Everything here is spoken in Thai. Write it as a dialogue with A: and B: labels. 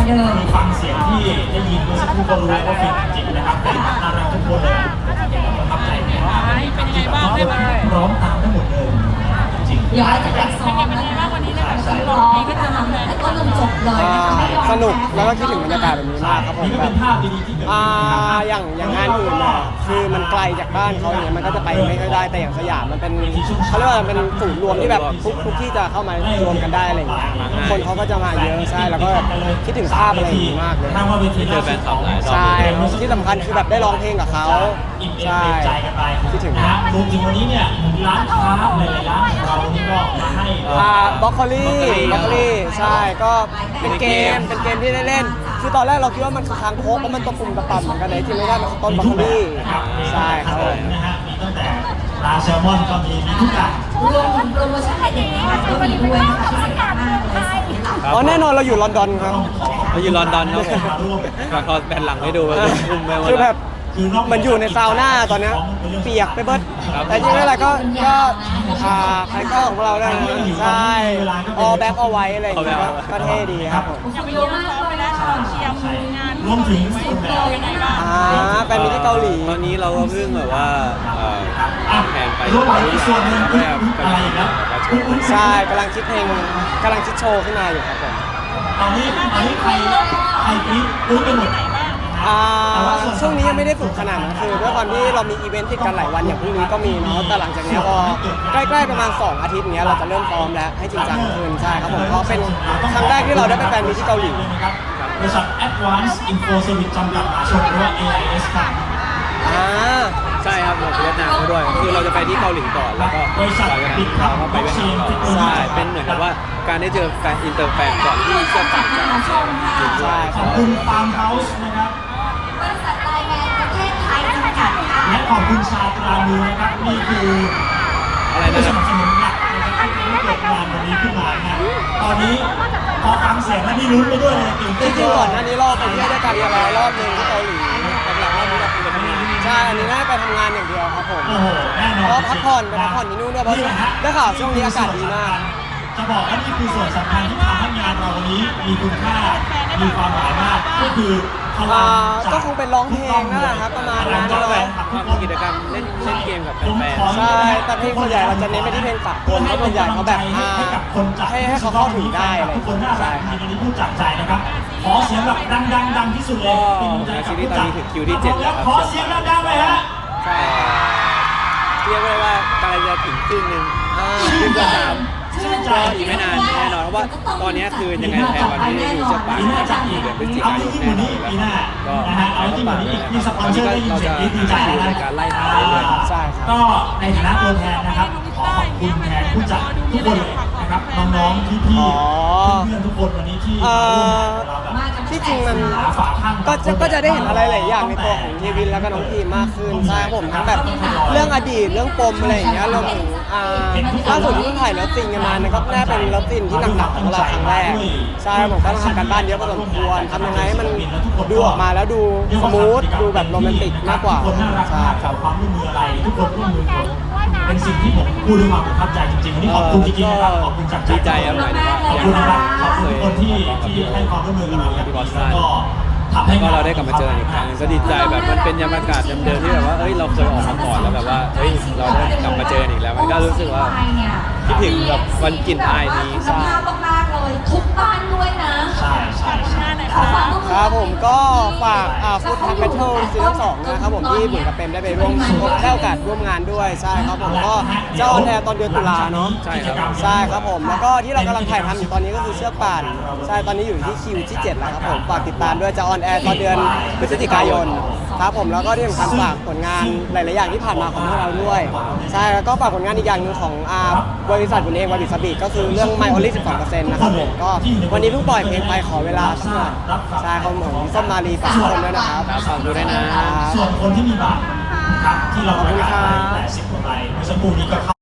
A: เดิม
B: ฟังเสียงที่ได้ยินเมื่อสักครู่ก็รู้แล้วว่าฟินจริงๆนะครับน่ารักทุกคนเลยประทับใจมากเป็นยังไงบ้างได้ไหมพร้อมตามทั้งหมดเลยจริง
A: เดี๋ยวเราจะไปซ้อมนะคะวันนี้เลยร้องก็จะทำแต่ก็จนจบเลย
C: สนุกแล้วก็คิดถึงบรรยากาศแบบนี้มากครับผมแบบอย่างงานอื่นเนี่ยคือมันไกลจากบ้านเขาอย่างเงี้ยมันก็จะไปไม่ค่อยได้แต่อย่างสยามมันเป็นเขาเรียกว่าเป็นศูนย์รวมที่แบบทุกที่จะเข้ามารวมกันได้อะไรอย่างเงี้ยคนเขาก็จะมาเยอะใช่แล้วก็คิดถึงภาพอะไรอย่างงี้มากเลย
D: เจอแฟนคลับหลายรอบ
C: ใช่ที่สำคัญคือแบบได้ร้องเพลงกับเขาใช่คิดถึง
B: นะรวมถึงวันนี้เนี่ยร้านค้าหลายๆร้านของเรานี่ก็มาให้
C: บล็อกโคลี่ใช่ก็เป็นเกมที่ได้เล่นคือตอนแรกเราคิดว่ามันคือคางคกเพราะมันตัวปุ่มกระปั่นเหมือนกันเลยที่ไม่ได้มันต้นบล็อกโคลี่ใช่ครับ
B: นะฮะมีตั้งแต่ปลาแซลมอนก็มีทุกอย่าง
A: รวมถึงโปรโมชั่นเด็ดๆก็มีด้วยนะคะพิเศษมากเลย
C: อ๋อแน่นอนเราอยู่ลอนดอนครับ
D: เราอยู่ลอนดอนครับผมขอแผ่นหลังให้ดูว่าอุ้มไปหมด
C: คือแบบมันอยู่ในซาวน่าตอนนี้เปียกไปเบิดแต่จริงๆอะไรก็คาแรคเตอร์ของเราได้ใช่ออแบ็คเอาไว้อะไรอย่างเงี้ยก็เท่ดีครับผม
A: เยอะมากเลยนะเชียร์งาน
B: รวมถึง
A: ยังไงบ้าง
C: แฟนมิตรที่เกาหลี
D: ตอนนี้เราก็เพิ่งแบบว่าแผนไป
B: ส่วนหนึ่งอะไรอีกแล้ว
C: ใช่กำลังคิดโชว์ขึ้นมาอยู่ครับผม
B: ตอนนี้ใครรู้ไปหมด
C: ช่วงนี้ยังไม่ได้ฝึกขนาดนั้นคือด้วยความที่เรามีอีเวนต์ติดกันหลายวันอย่างพรุ่งนี้ก็มีเนาะแต่หลังจากนี้พอใกล้ๆประมาณ2อาทิตย์เนี้ยเราจะเริ่มซ้อมแล้วให้จริงจังขึ้นใช่ครับผมก็เป็นครั้งแรกที่เราได้ไปแฟนมีที่เกาหลี
B: บริษัท Advanced Info Service จำกัดมหาชนหรือว่า AIS ครับ
D: ใช่ครับผมเวียดนามด้วยคือเราจะไปที่เกาหลีก่อนแล้วก็
B: บริษัทปิด
D: เราก็ไปเวียดนามต่อใช่เป็นเหมือนกับว่าการได้เจอแฟนอินเตอร์แฟนก่อนที่จะต่างกัน
C: ใช่
B: ขอบคุณฟาร์มเฮาส์นะครับ
A: บริษัทไลแมนประเทศไทยจำกัดค่ะ
B: และขอบคุณชาตรามือนะครับนี่คือ
D: อะไร
B: ผู้ส
D: นะ
B: นับสนุนหลักนะครับที่เกิดงานวันนี้ขึ้นมานะตอนนี้พอฟังเสียงแล้วนี่ลุ้นไปด้วยเลย
C: จริงๆก่อนหน้านี้รอบไปเที่ยวด้วยกันแล้วรอบนึงที่เกาหลีหลังๆรอบนี้เราไปทำงานใช่อันนี้น่าไปทำงานอย่างเดียวครับผมเพราะพักผ่อนที่นู่นด้วยเพราะได้ข่าวช่วงนี้อากาศดีมาก
B: จะบอกว่านี่คือส่วนสำคัญที่ทำให้งานเราวันนี้มีคุณค่ามีความหมายมากก็คือ
C: ก็คงเป็นร้องเพลงนั่นแหละครับประมาณนั้นเลย
D: ทำกิจกรรมเล่นเกมกับแฟน
C: ใช่แต่เพลงส่วนใหญ่เราจะเน้นไปที่เพลงฝากคนเพราะส่วนใหญ่เขาแบบให้เขาเข้าถึงได้อะไร
B: ใช่ครับวันนี้พูดจากใจนะครับขอเสียงแบบดังที่สุดเลย
D: ซีรีส์ตอนนี้ถึงคิวที่7แล้วครับ
B: ขอเสียงดังๆเลยฮะ
D: ใช่เรียกได้ว่ากำลังจะถึงครึ่งนึงครึ่งจะ3ก็อีกไม่นานแน่นอนเพราะว่าตอนนี้คือยังไงแทนวันที่อยู่เชียงใหม่เดือนพฤศจิกายนแน่นอนก็ต้องฝากด้วยนะครับตอนนี้เราจะอยู่ในการไล่ทางเรื่อย
C: ๆใช่ครับ
B: ก็ในฐานะตัวแทนนะครับขอขอบคุณแทนผู้จัดทุกคนเลยนะครับน้องๆพี่ๆเพื่อนๆทุกคนวันนี้ที่
C: ที่จริงมันก็จะได้เห็นอะไรหลายอย่างในตัวของเยวินแล้วก็น้องพีมากขึ้นใช่ผมทั้งแบบเรื่องอดีตเรื่องปมอะไรอย่างเงี้ยรวมถึงล่าสุดที่เพิ่งถ่ายเลิฟซีนกันมานะครับน่าเป็นเลิฟซีนที่หนักๆของเราครั้งแรกใช่ผมก็ต้องทำการบ้านเยอะพอสมควรทำยังไงให้มันดูออกมาแล้วดูสมูทดูแบบโรแมนติกมากกว่า
B: ใช่ครับความร่วมมืออะไรทุกคนร่วมมือกันเป็นสิ่งที่ผมพูดด้วยความประทับใจจริงๆวันนี้ขอบคุณจริงๆนะครับขอบคุณจาก
D: ใจครับ
B: ขอบคุณนะครับขอบคุณทุกคนที่ให้ความร่วมมือกับเราอย่างก็
D: ก็เราได้กลับมาเจออีกครั้งก็ดีใจแบบมันเป็นบรรยากาศเดิมๆที่แบบว่าเอ้ยเราเคยออกมาก่อนแล้วแบบว่าเฮ้ยเราได้กลับมาเจออีกแล้วมันก็รู้สึกว่าคิดถึงแบบวันกลิ่นอายนี้
A: สภาพมากๆเลยทุกบ้านด้วยนะ
B: ใช่
C: ครับผมก็ฝากฟู้ดทักแบทเทิลซีซั่น2นะครับผมที่บุญกับเปมได้ไปร่วมได้โอกาสร่วมงานด้วยใช่ครับผมก็จะออนแอร์ตอนเดือนตุลาเนาะ
D: ใช่
C: ครับผมแล้วก็ที่เรากำลังถ่ายทำอยู่ตอนนี้ก็คือเชือกป่านใช่ตอนนี้อยู่ที่คิวที่7แล้วครับผมฝากติดตามด้วยจะออนแอร์ตอนเดือนพฤศจิกายนครับผมแล้วก็ที่สำคัญฝากผลงานหลายๆอย่างที่ผ่านมาของพวกเราด้วยใช่แล้วก็ฝากผลงานอีกอย่างนึงของบริษัทบุญเองวาบิสบิก็คือเรื่อง My Only 12%นะครับผมก็วันนี้เพิ่งปล่อยเพลงไปขอเวลาสักหน่อยใช่ครับผมส้มมาลีฝากทุกคนด้วยนะครับ
D: ฝากดูด้วยนะ
B: ส่วนคนที่มีบัตรนะครับที่เราประกาศไป80 กว่าใบเมื่อสักครู่นี้ก็